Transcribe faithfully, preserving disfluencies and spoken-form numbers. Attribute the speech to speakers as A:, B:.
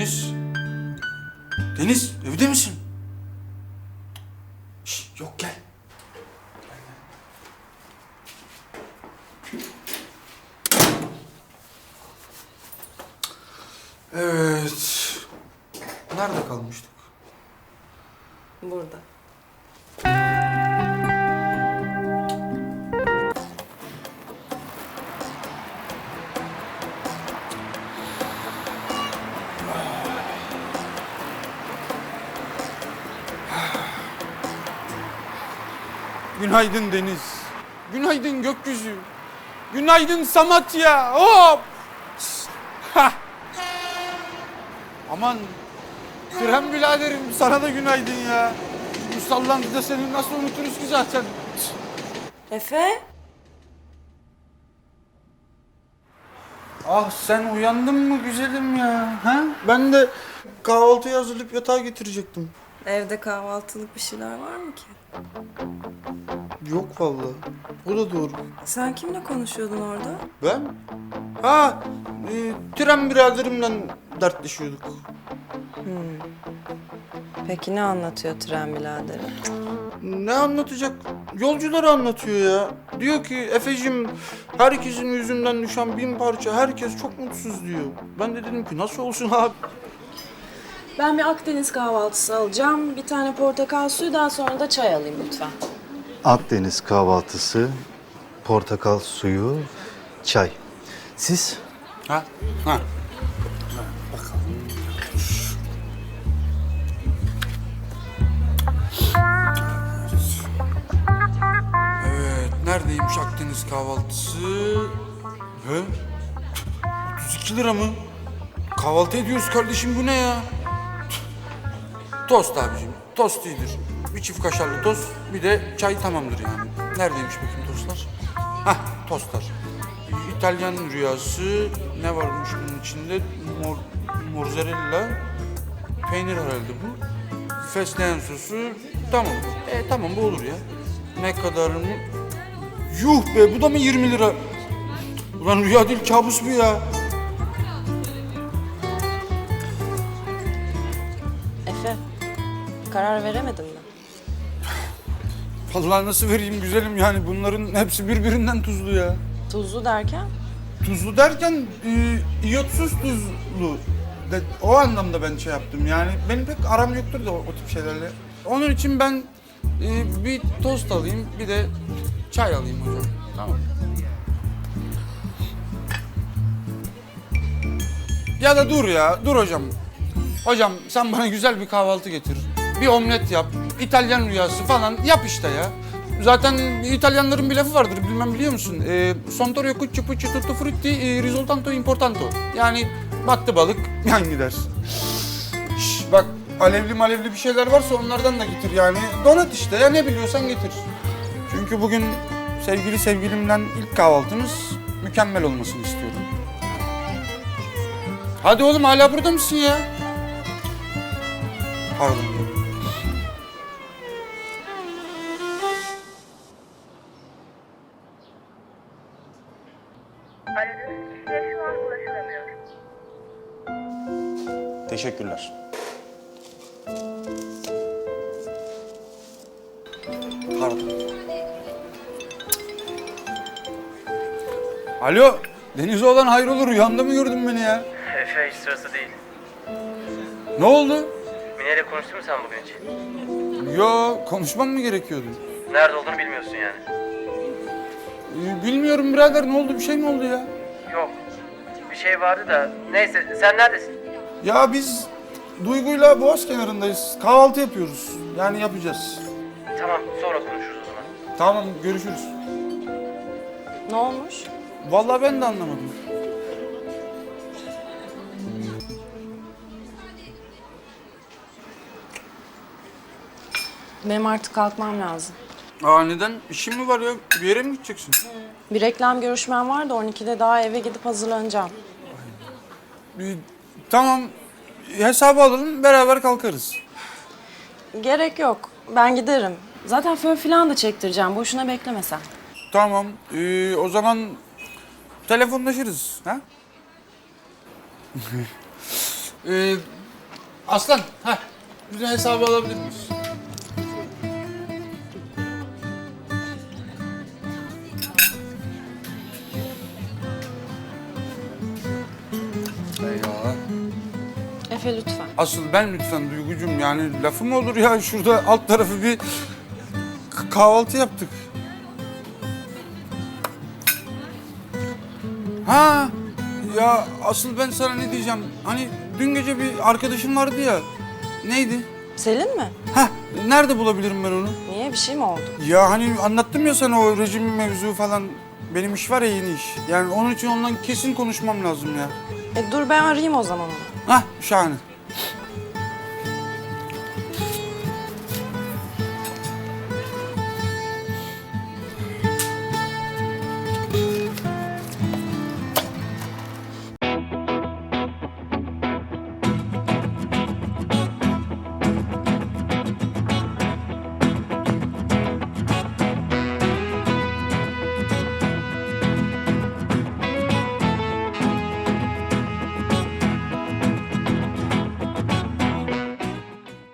A: Deniz. Deniz, evde misin? Şş, yok gel. Evet. Nerede kalmıştık?
B: Burada.
A: Günaydın Deniz. Günaydın gökyüzü. Günaydın Samatya. Hop! Hah! Aman Krem biraderim, sana da günaydın ya. Bu sallantıda seni nasıl unuturuz ki zaten?
B: Efe?
A: Ah sen uyandın mı güzelim ya? Ha? Ben de kahvaltıyı hazırlayıp yatağa getirecektim.
B: Evde kahvaltılık bir şeyler var mı ki?
A: Yok vallahi. O da doğru.
B: Sen kimle konuşuyordun orada?
A: Ben? Ha, e, tren biraderimle dertleşiyorduk.
B: Peki ne anlatıyor tren biraderi?
A: Ne anlatacak? Yolcuları anlatıyor ya. Diyor ki Efe'cim herkesin yüzünden düşen bin parça, herkes çok mutsuz diyor. Ben de dedim ki nasıl olsun abi?
B: Ben bir Akdeniz kahvaltısı alacağım. Bir tane portakal suyu, daha sonra da çay alayım lütfen.
C: Akdeniz kahvaltısı, portakal suyu, çay. Siz?
A: Ha? Ha. Evet, neredeymiş Akdeniz kahvaltısı? He? otuz iki lira mı? Kahvaltı ediyoruz kardeşim, bu ne ya? Tost abicim, tost iyidir. Bir çift kaşarlı tost, bir de çay tamamdır yani. Neredeymiş bakayım tostlar? Hah, tostlar. İtalyan rüyası, ne varmış bunun içinde? Mor, mozzarella, peynir herhalde bu. Fesleğen sosu, tamam. E tamam, bu olur ya. Ne kadar mı? Yuh be, bu da mı yirmi lira? Ulan rüya değil, kabus bu ya.
B: Efe, karar veremedin mi?
A: Vallahi nasıl vereyim güzelim, yani bunların hepsi birbirinden tuzlu ya.
B: Tuzlu derken?
A: Tuzlu derken e, iyotsuz tuzlu. De, o anlamda ben şey yaptım yani. Benim pek aram yoktur da o, o tip şeylerle. Onun için ben e, bir tost alayım, bir de çay alayım hocam. Tamam. Ya da dur ya, dur hocam. Hocam sen bana güzel bir kahvaltı getir. Bir omlet yap, İtalyan rüyası falan yap işte ya. Zaten İtalyanların bir lafı vardır, bilmem biliyor musun? E, Sontorio cucci pucci tutto frutti e, risultato importante. Yani battı balık yan gider. Şş, bak alevli malevli bir şeyler varsa onlardan da getir yani. Donat işte ya, ne biliyorsan getir. Çünkü bugün sevgili sevgilimden ilk kahvaltımız mükemmel olmasını istiyorum. Hadi oğlum, hala burada mısın ya? Pardon.
D: Aradığınız kişiye şu an ulaşılamıyor.
E: Teşekkürler.
A: Pardon. Alo, Deniz oğlan hayrola, rüyanda mı gördün beni ya?
F: Efe hiç sırası değil.
A: Ne oldu?
F: Mine ile konuştun mu sen bugün hiç?
A: Yo, konuşmam mı gerekiyordu?
F: Nerede olduğunu bilmiyorsun yani.
A: Ee, bilmiyorum birader, ne oldu, bir şey mi oldu ya?
F: Yok. Bir şey vardı da. Neyse, sen neredesin?
A: Ya biz Duygu'yla Boğaz kenarındayız, kahvaltı yapıyoruz. Yani yapacağız.
F: Tamam, sonra konuşuruz o zaman.
A: Tamam, görüşürüz.
B: Ne olmuş?
A: Vallahi ben de anlamadım.
B: Benim artık kalkmam lazım.
A: Aa neden? İşin mi var ya? Bir yere mi gideceksin?
B: Bir reklam görüşmem var da on ikide daha eve gidip hazırlanacağım.
A: Ee, tamam, hesabı alalım, beraber kalkarız.
B: Gerek yok. Ben giderim. Zaten fön falan da çektireceğim. Boşuna bekleme sen.
A: Tamam, ee, o zaman telefonlaşırız. Ha? Ee, Aslan, ha, bizim hesabı alabilir miyiz? Eyvallah.
B: Efe lütfen.
A: Asıl ben lütfen Duygucuğum, yani lafı mı olur ya? Şurada alt tarafı bir k- kahvaltı yaptık. Ha, ya asıl ben sana ne diyeceğim? Hani dün gece bir arkadaşım vardı ya. Neydi?
B: Selin mi?
A: Ha, nerede bulabilirim ben onu?
B: Niye, bir şey mi oldu?
A: Ya hani anlattım ya sana o rejim mevzu falan. Benim iş var ya, yeni iş. Yani onun için ondan kesin konuşmam lazım ya.
B: E dur ben arayayım o zaman onu.
A: Hah, şahane.